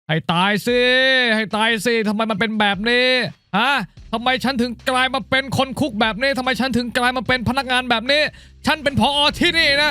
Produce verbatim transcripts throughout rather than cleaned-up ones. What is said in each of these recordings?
ให้ตายสิให้ตายสิทำไมมันเป็นแบบนี้ฮะทำไมฉันถึงกลายมาเป็นคนคุกแบบนี้ทำไมฉันถึงกลายมาเป็นพนักงานแบบนี้ฉันเป็นผอ.ที่นี่นะ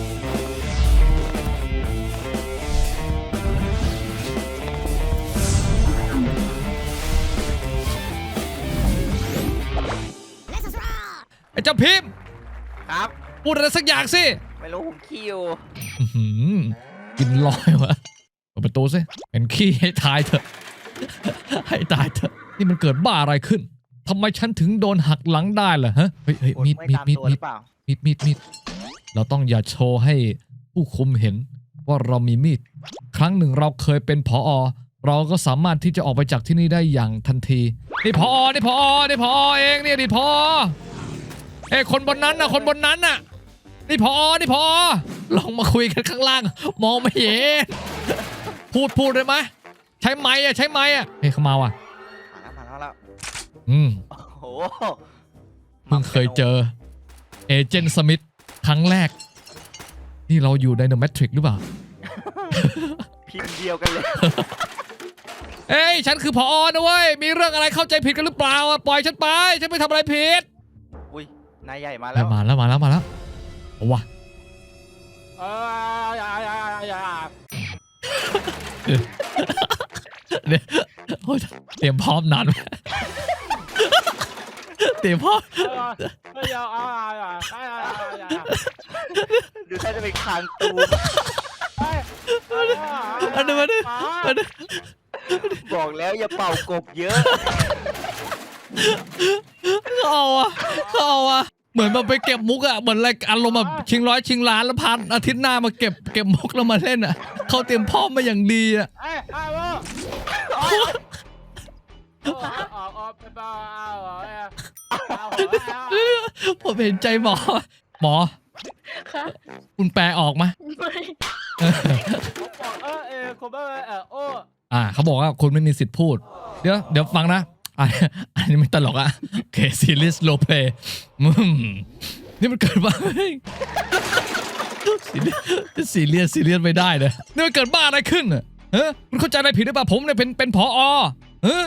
ไอ้เจ้าพิมพ์ครับพูดอะไรสักอย่างสิไม่รู้ผมขี้อยู่กินลอยวะเปิดประตูสิเป็นขี้ให้ตายเถอะให้ตายเถอะนี่มันเกิดบ้าอะไรขึ้นทำไมฉันถึงโดนหักหลังได้ล่ะฮะเฮ้ยเฮ้ยมีดมีดมีดมีดมีดมีดมีดเราต้องอย่าโชว์ให้ผู้คุมเห็นว่าเรามีมีดครั้งหนึ่งเราเคยเป็นผอ.เราก็สามารถที่จะออกไปจากที่นี่ได้อย่างทันทีนี่ผอ.นี่ผอ.นี่ผอ.เองเนี่ยนี่ผอ.เอ้คนบนนั้นน่ะคนบนนั้นน่ะนี่ผอ.นี่ผอ.ลองมาคุยกันข้างล่างมองไม่เห็นพูดพูดได้ไหมใช้ไม้อะใช้ไม้อะเฮ้ยเขามาว่ะมาแล้วมาแล้วอืมโอ้โหเพิ่งเคยเจอเอเจนต์สมิธครั้งแรกนี่เราอยู่ไดโนแมทริกหรือเปล่าพิมพ์เดียวกันเลยเอ้ยฉันคือผอ.นะเว้ยมีเรื่องอะไรเข้าใจผิดกันหรือเปล่าอะปล่อยฉันไปฉันไม่ทำอะไรผิดอุ้ยนายใหญ่มาแล้วมาแล้วมาแล้วมาแล้วเอาวะเอออย่าอย่าอย่าเดี๋ยวเตรียมพร้อมนานไหมเตรียมพร้อมดูท่าจะเป็นคางตูอันนี้มาดิบอกแล้วอย่าเป่ากบเยอะเอาอะเอาอะเหมือนมาไปเก็บมุกอะเหมือนอะไรอารมณ์แบบชิงร้อยชิงล้านแล้วพันอาทิตย์หน้ามาเก็บเก็บมุกแล้วมาเล่นอะเขาเตรียมพร้อมมาอย่างดีอะผมเห็นใจหมอหมอคุณแปลออกไหมอ่าเขาบอกว่าคุณไม่มีสิทธิ์พูดเดี๋ยวเดี๋ยวฟังนะอันนี้ไม่ตลกอะโอเคซีรีส์โรลเพลย์มึมนี่มันเกิดบ้าซีเรียสซีเรียสไม่ได้เลยนี่มันเกิดบ้าอะไรขึ้นอะเฮ้ยคุณเข้าใจอะไรผิดหรือเปล่าผมเนี่ยเป็นเป็นผอ.เฮ้ย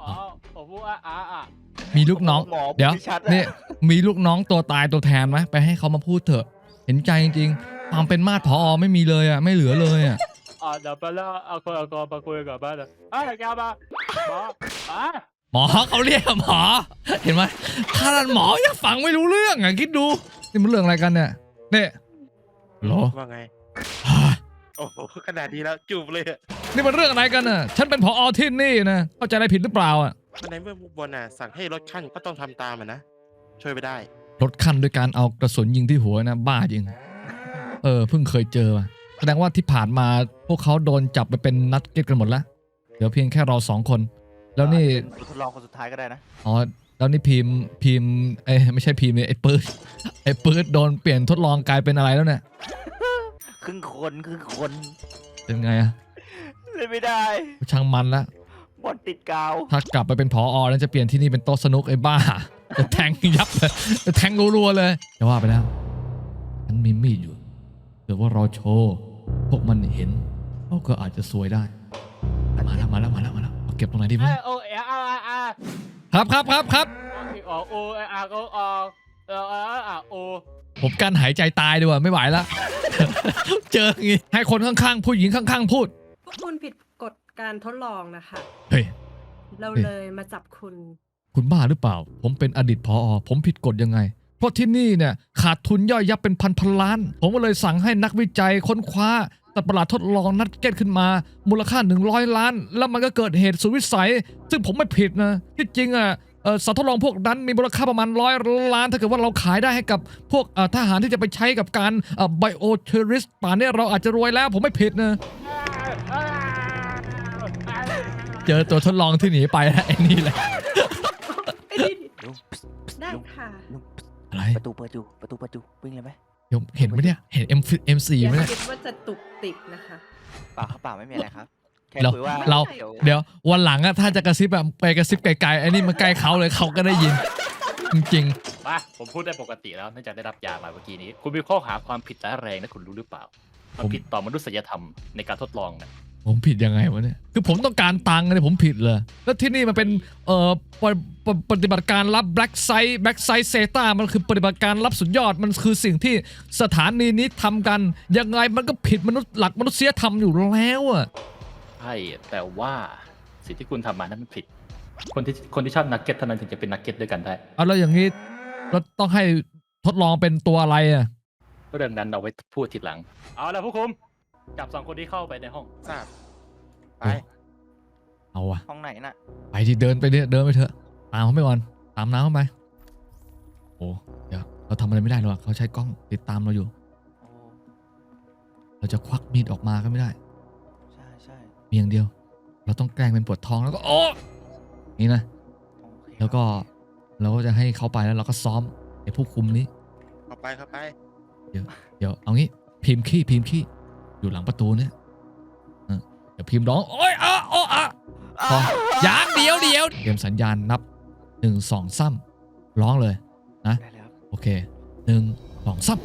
มีลูกน้องเดี๋ยวนี่มีลูกน้องตัวตายตัวแทนไหมไปให้เขามาพูดเถอะเห็นใจจริงๆความเป็นมาดผอ.ไม่มีเลยอะไม่เหลือเลยอะอ่าเดี๋ยวไปแล้วเอาคนเอาคนมาคุยกับบ้านเลยเฮ้ยแกมาหมออ่ะหมอเขาเรียกหมอเห็นไหมขนาดหมอยังฟังไม่รู้เรื่องอ่ะคิดดูนี่มันเรื่องอะไรกันเนี่ยเนี่ยหรอว่าไงโอ้โหขนาดนี้แล้วจูบเลยนี่มันเรื่องอะไรกันน่ะฉันเป็นผอ.ที่นี่นะเข้าใจอะไรผิดหรือเปล่าอ่ะในเมื่อบุกบอลน่ะสั่งให้ลดขั้นก็ต้องทำตามมันนะช่วยไปได้ลดขั้นด้วยการเอากระสุนยิงที่หัวนะบ้าจริงเออเพิ่งเคยเจอมาแสดงว่าที่ผ่านมาพวกเขาโดนจับไปเป็นนักเก็ตกันหมดแล้วเดี๋ยวเพียงแค่เราสองคนแล้วนี่ทดลองคนสุดท้ายก็ได้นะอ๋อแล้วนี่พิมพ์พิมพ์ไอ้ไม่ใช่พิมพ์ไอ้ปื๊ดไอ้ปื๊ดโดนเปลี่ยนทดลองกลายเป็นอะไรแล้วเนี่ยครึ่งคนครึ่งคนเป็นไงอะเล่นไม่ได้ช่างมันละบอลติดกาวถ้ากลับไปเป็นผอ.แล้วจะเปลี่ยนที่นี่เป็นโต๊ะสนุกไอ้บ้าจะแทงยับเลยจะแทงรัวๆเลยจะว่าไปแล้วฉันมีมีดอยู่เดี๋ยวว่าเราโชว์พวกมันเห็นเขาก็อาจจะซวยได้มาแล้วมาแล้วมาแล้วมาแล้วเก็บตรงไหนดีวะโอเออาร์อาร์ครับครับครับครับอโออาร์ก็อเออเออโอผมการหายใจตายดีกว่าไม่ไหวแล้วเจออย่างงี้ให้คนข้างๆผู้หญิงข้างๆพูดพวกคุณผิดกฎการทดลองนะคะเฮ้ยเราเลยมาจับคุณคุณบ้าหรือเปล่าผมเป็นอดีตผอ.ผมผิดกฎยังไงเพราะที่นี่เนี่ยขาดทุนย่อยยับเป็นพันพันล้านผมก็เลยสั่งให้นักวิจัยค้นคว้าแต่ประหลาดทดลองนัดเก็ตขึ้นมามูลค่าหนึ่งร้อยล้านแล้วมันก็เกิดเหตุสุดวิสัยซึ่งผมไม่ผิดนะที่จริงอ่ะสัตว์ทดลองพวกนั้นมีมูลค่าประมาณร้อยล้านถ้าเกิดว่าเราขายได้ให้กับพวกทหารที่จะไปใช้กับการไบโอเทอริสต์ป่านนี้เราอาจจะรวยแล้วผมไม่ผิดนะเจอตัวทดลองที่หนีไปแล้วไอ้นี่แหละได้ค่ะอะไรประตูเปิดอยู่ประตูเปิดอยู่วิ่งเลยไหมเห็นไหมเนี่ยเห็น M เอ็ม สี่ไหมเนี่ยคิดว่าจะตุกติกนะคะเปล่าครับเปล่าไม่มีอะไรครับแค่เราคุยว่าเราเดี๋ยววันหลังอะถ้าจะกระซิบแบบไปกระซิบไกลๆไอ้นี่มันใกล้เขาเลยเขาก็ได้ยินจริงๆมาผมพูดได้ปกติแล้วเนื่องจากได้รับยามาเมื่อกี้นี้คุณมีข้อหาความผิดร้ายแรงนะคุณรู้หรือเปล่าความผิดต่อมนุษยธรรมในการทดลองนะผมผิดยังไงวะเนี่ยคือผมต้องการตังค์เนี่ยผมผิดเลยแล้วที่นี่มันเป็นเอ่อปฏิปฏิปฏิบัติการลับ Black Site Black Site Zeta มันคือปฏิบัติการลับสุดยอดมันคือสิ่งที่สถานีนี้ทำกันยังไงมันก็ผิดมนุษย์หลักมนุษยธรรมอยู่แล้วอะใช่แต่ว่าสิ่งที่คุณทำมานั้นมันผิด คนที่คนที่ชอบนักเก็ตเท่านั้นถึงจะเป็นนักเก็ตด้วยกันได้เอาแล้วอย่างนี้เราต้องให้ทดลองเป็นตัวอะไรอะเรื่องนั้นเอาไว้พูดทีหลัง เอาละผู้คุมจับสองคนที่เข้าไปในห้องทราบไปเอาวะห้องไหนน่ะไปที่เดินไปเนี่ยเดินไปเถอะตามเขาไปก่อนตามน้ำเข้าไปโอ้เดี๋ยวเราทำอะไรไม่ได้หรอกเขาใช้กล้องติดตามเราอยู่โอ้เราจะควักมีดออกมาก็ไม่ได้ใช่ใช่มีอย่างเดียว เราต้องแกล้งเป็นปวดท้องแล้วก็โอ้นี่นะโอเคแล้วก็เราก็จะให้เขาไปแล้วเราก็ซ้อมไอ้ผู้คุมนี้เข้าไปเข้าไปเดี๋ยวเอางี้พิมพ์ขี้พิมพ์ขี้อยู่หลังประตูเนี่ยเออเดี๋ยวพิมพ์ร้องโอ๊ยอ่ะโอ้อ่ะพออย่างเดียวเดียวเตรียมสัญญาณนับหนึ่งสองซ้ำร้องเลยนะได้แล้วโอเคหนึ่งสองซ้ำ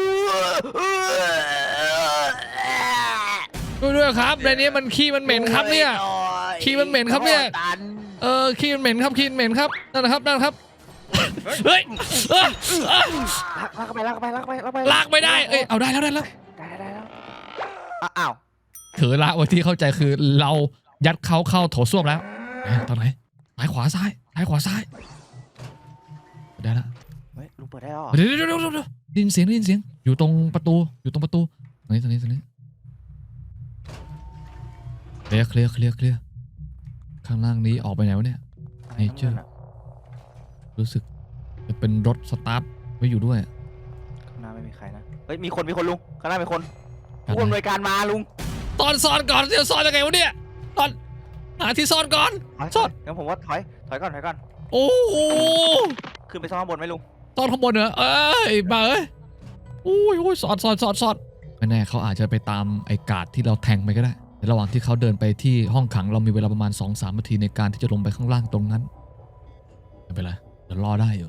ด้วยด้วยครับในนี้มันขี้มันเหม็นครับเนี่ยขี้มันเหม็นครับเนี่ยเออขี้มันเหม็นครับขี้มันเหม็นครับนั่นนะครับนั่นนะครับเฮ้ยเอ้ยเอ้ยลากลากเข้าไปลากเข้าไปลากเข้าไปลากเข้าไปลากไม่ได้เอ้ยเอาได้แล้วได้แล้วได้ได้แล้วอ้าวถือละไว้ที่เข้าใจคือเรายัดเขาเข้าโถส้วมแล้วเอ๊ะตอนไหนซ้ายขวาซ้ายซ้ายขวาซ้ายได้แล้วเฮ้ยลุงเปิดได้แล้วเหรอเดี๋ยวเดี๋ยวเดี๋ยวเดี๋ยวได้ยินเสียงได้ยินเสียงอยู่ตรงประตูอยู่ตรงประตูตรงนี้ตรงนี้ตรงนี้เคลียร์เคลียร์เคลียร์เคลียร์ข้างล่างนี้ออกไปไหนวะเนี่ยอะไรเนเจอร์ข้างบนน่ะรู้สึกจะเป็นรถสตาร์ทไว้อยู่ด้วยข้างหน้าไม่มีใครนะเฮ้ยมีคนมีคนลุงข้างหน้ามีคนกันผู้อำนนะวยการมาลุงตอนซ่อนก่อนเดี๋ยวซ่อนยังไงวะเนี่ยตอนหาที่ซ่อนก่อนถอยซ่อนงั้นผมว่าถอยถอยก่อนถอยก่อนโอ้โหขึ้นไปซ่อนข้างบนไหมลุงซ่อนข้างบนเหรอเอ้ยมาเอ้ยอุ้ยอุ้ยซ่อนซ่อนซ่อนซ่อนไม่แน่เขาอาจจะไปตามไอ้การ์ดที่เราแทงไปก็ได้ในระหว่างที่เขาเดินไปที่ห้องขังเรามีเวลาประมาณ สองสาม นาทีในการที่จะลงไปข้างล่างตรงนั้นไม่เป็นไรเดี๋ยวรอได้อยู่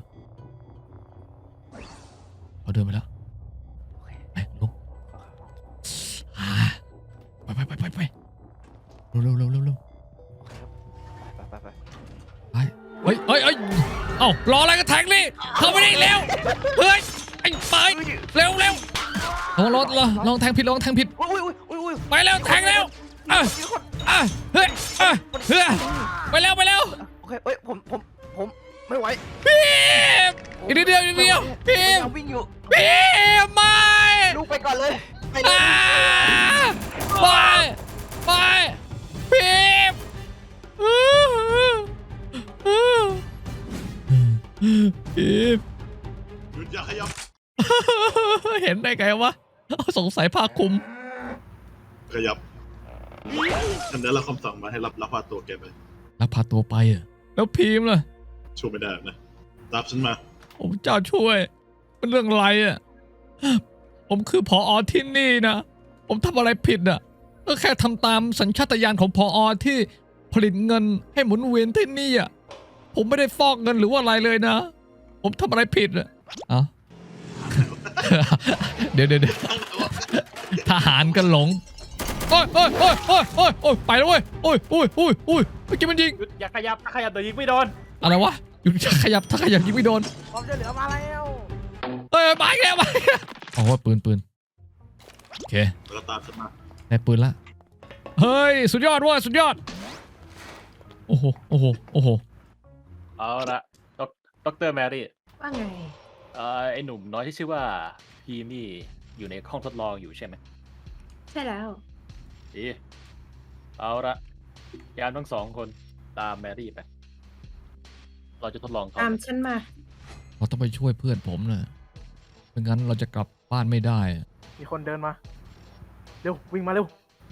เขาเดินไปแล้วโอเคไปลงอ่าไปไปไปไปไปเร็วเร็วเร็วเร็วเร็วโอเคครับไปไปไปไปเฮ้ยเฮ้ยเฮ้ยเอ้ารออะไรกันแทงนี่เข้าไปได้เร็วเฮ้ยไอ้ไปเร็วเร็วลองรถลองลองแทงผิดลองแทงผิดอุ้ยอุ้ยอุ้ยอุ้ยไปเร็วแทงเร็วอ่ะมีคนอ่ะเฮ้ยอ่ะเฮ้ยไปเร็วไปเร็วโอเคเอ้ยผมผมผมไม่ไหวพีมอีกนิดเดียวอีกนิดเดียวพีมยังวิ่งอยู่พีมไม่ลูกไปก่อนเลยไปเลยอ่าไปไปพีมพีมหยุดอย่าขยับเห็นได้ไงวะสงสัยผ้าคลุมขยับฉันได้รับคำสั่งมาให้รับรับพาตัวแกไปแล้วพาตัวไปอ่ะแล้วพีมล่ะช่วยไม่ได้นะรับฉันมาผมเจ้าช่วยเป็นเรื่องอะไรอ่ะผมคือผอที่นี่นะผมทำอะไรผิดอ่ะก็แค่ทำตามสัญชาตญาณของผอที่ผลิตเงินให้หมุนเวียนที่นี่อ่ะผมไม่ได้ฟอกเงินหรือว่าอะไรเลยนะ ผมทำอะไรผิดอ่ะเอ้า เดี๋ยวเดี๋ยวเดี๋ยวทหารกันหลงโอ้ยโอ้ยโอ้ยโอ้ยโอ้ยโอ้ยไปแล้วเว้ยโอ้ยโอ้ยโอ้ยโอ้ยเมื่อกี้มันยิงหยุดอย่าขยับถ้าขยับเดี๋ยวยิงไม่โดนอะไรวะอยู่ขยับถ้าขยับยิงไม่โดนความช่วยเหลือมาแล้วเอ้ยมาอีกแล้วมาอีกแล้วอ๋อว่าปืนปืนโอเคแล้วก็ตามฉันมาได้ปืนละเฮ้ยสุดยอดเว้ยสุดยอดโอ้โหโอ้โหโอ้โหเอาละด็อกด็อกเตอร์แมรี่ว่าไงเอ่อไอหนุ่มน้อยที่ชื่อว่าพีมี่อยู่ในห้องทดลองอยู่ใช่ไหมใช่แล้วดีเอาละยามทั้งสองคนตามแมรี่ไปเราจะทดลองเขาตามฉันมาเราต้องไปช่วยเพื่อนผมนะไม่งั้นเราจะกลับบ้านไม่ได้อะมีคนเดินมาเร็ววิ่งมาเร็ว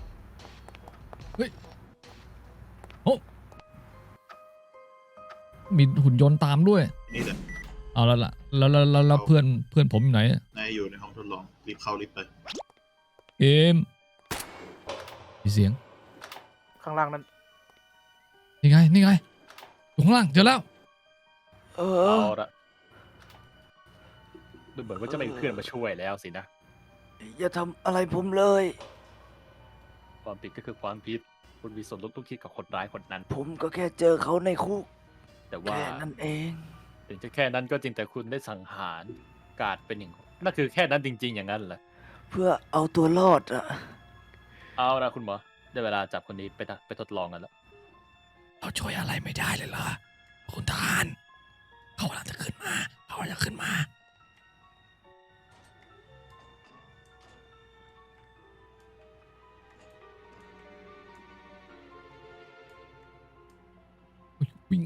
มีหุ่นยนต์ตามด้วยนี่แหละเอาแล้วล่ะแล้วแล้วแล้วแล้วเพื่อนเพื่อนผมอยู่ไหนอะนายอยู่ในห้องทดลองรีบเข้ารีบไปเอมมีเสียงข้างล่างนั้นนี่ไงนี่ไงอยู่ข้างล่างเจอแล้วเอเอาละดูเหมือนว่าจะไม่มีเพื่อนมาช่วยแล้วสินะอย่าทำอะไรผมเลยไปความผิดก็คือความผิดคุณมีส่วนร่วมทุกคิดกับคนร้ายคนนั้นผมก็แค่เจอเขาในคุกแต่ว่าแค่นั้นเองถึงจะแค่นั้นก็จริงแต่คุณได้สังหารกาดเป็นหนึ่งคนนั่นคือแค่นั้นจริง ๆ อย่างนั้นเหรอเพื่อเอาตัวรอดอะเอาละคุณหมอได้เวลาจับคนนี้ไปทะไปทดลองกันแล้วเราช่วยอะไรไม่ได้เลยเหรอคุณทหารเขากำลังจะขึ้นมาเขากำลังจะขึ้นมาอุ๊ยวิ่ง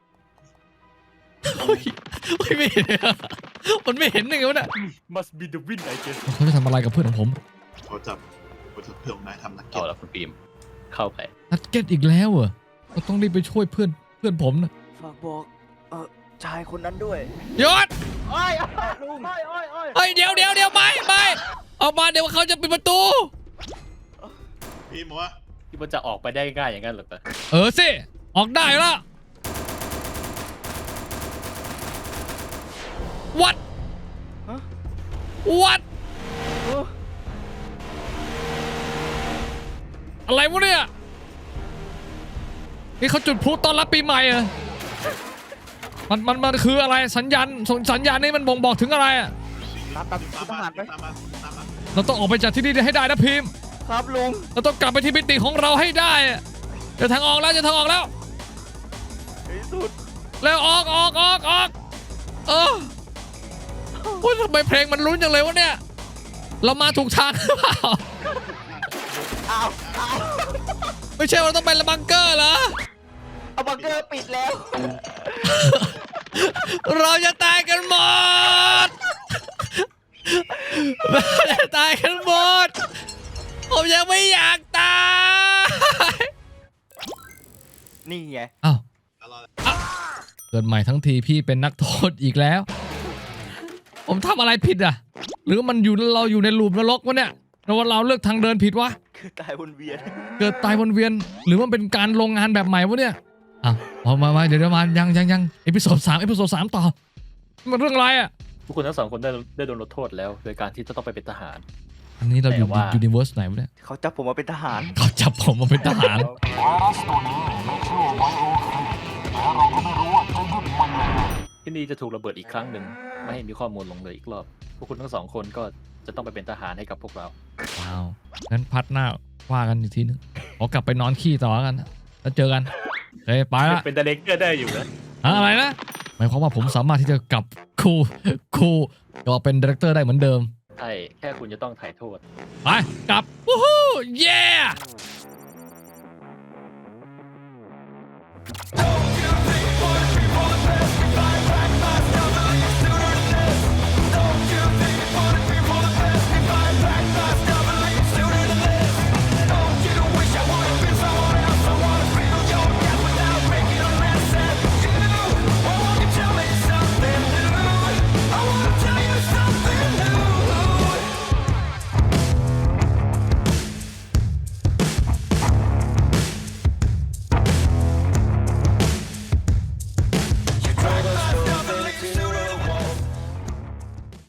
เฮ้ยเฮ้ยไม่เห็นอะมันไม่เห็นยังไงวะเนี่ย must be the win I guess เขาจะทำอะไรกับเพื่อนของผมเขาจับเขาจับเพื่อนของนายทำนักเก็เอาตละคุณปีมเข้าไปนัดเก็ตอีกแล้วเหรอเราต้องรีบไปช่วยเพื่อนเพื่อนผมนะฝากบอก เออชายคนนั้นด้วยยศโอ้ยลุงโอ้ยโอ้ยโอ้ยเฮ้ยเดี๋ยวเดี๋ยวเดี๋ยวไม่ไม่ออกมาเดี๋ยวเขาจะปิดประตูพี่บอกว่าที่มันจะออกไปได้ง่ายอย่างนั้นเหรอเออสิออกได้แล้ววัดฮะวัดเอออะไรวะเนี่ยนี่เขาจุดพลุต้อนรับปีใหม่เหรอมันมันมันคืออะไรสัญญาณสัญญาณนี้มันบ่งบอกถึงอะไรอ่ะตามตามคุณทหารไปตามมาตามมาเราต้องออกไปจากที่นี่ให้ได้นะพิมพ์ครับลุงเราต้องกลับไปที่มิติของเราให้ได้อะเจะทางออกแล้วเจะทางออกแล้วในที่สุดแล้วออกออกออกออกเออโอ้ยทำไมเพลงมันลุ้นจังเลยวะเนี่ย เรามาถูกทางหรือเปล่าอ้าวอ้าวไม่ใช่ว่าเราต้องเป็นบังเกอร์เหรอเอาบังเกอร์ปิดแล้วเราจะตายกันหมดเราจะตายกันหมด ผมยังไม่อยากตายนี่ไงอ้าวตลอดเกิดใหม่ทั้งทีพี่เป็นนักโทษอีกแล้ว ผมทำอะไรผิดอ่ะ หรือมันอยู่เราอยู่ในลูปนรกวะเนี่ยหรือว่าเราเลือกทางเดินผิดวะคือตายวนเวียนเกิดตายวนเวียน หรือว่าเป็นการลงงานแบบใหม่วะเนี่ยอ่ะเอามามาเดี๋ยวเดี๋ยวมายังยังยังเอพิโซดสามเอพิโซดสามต่อมันเรื่องอะไรอ่ะทุกคนทั้งสองคนได้ได้โดนลดโทษแล้ว โดยการที่จะต้องไปเป็นทหารอันนี้เราอยู่แต่ว่ายูนิเวอร์สไหนวะเนี่ยเขาจับผมมาเป็นทหารเขาจับผมมาเป็นทหารที่นี่จะถูกระเบิดอีกครั้งหนึ่งไม่ให้มีข้อมูลหลงเหลืออีกรอบพวกคุณทั้งสองคนก็จะต้องไปเป็นทหารให้กับพวกเราว้าว งั้นพัดหน้าว่ากันอีกทีนึงขอกลับไปนอนขี้ต่อกันนะแล้วเจอกันเฮ้ยไปละเป็นดาเรกเตอร์ได้อยู่นะฮะอะไรนะ หมายความว่าผมสามารถที่จะกลับครูครูก็เป็นดีเรคเตอร์ได้เหมือนเดิมใช่แค่คุณจะต้องถ่ายโทษไป กลับ วู้ฮู้เย้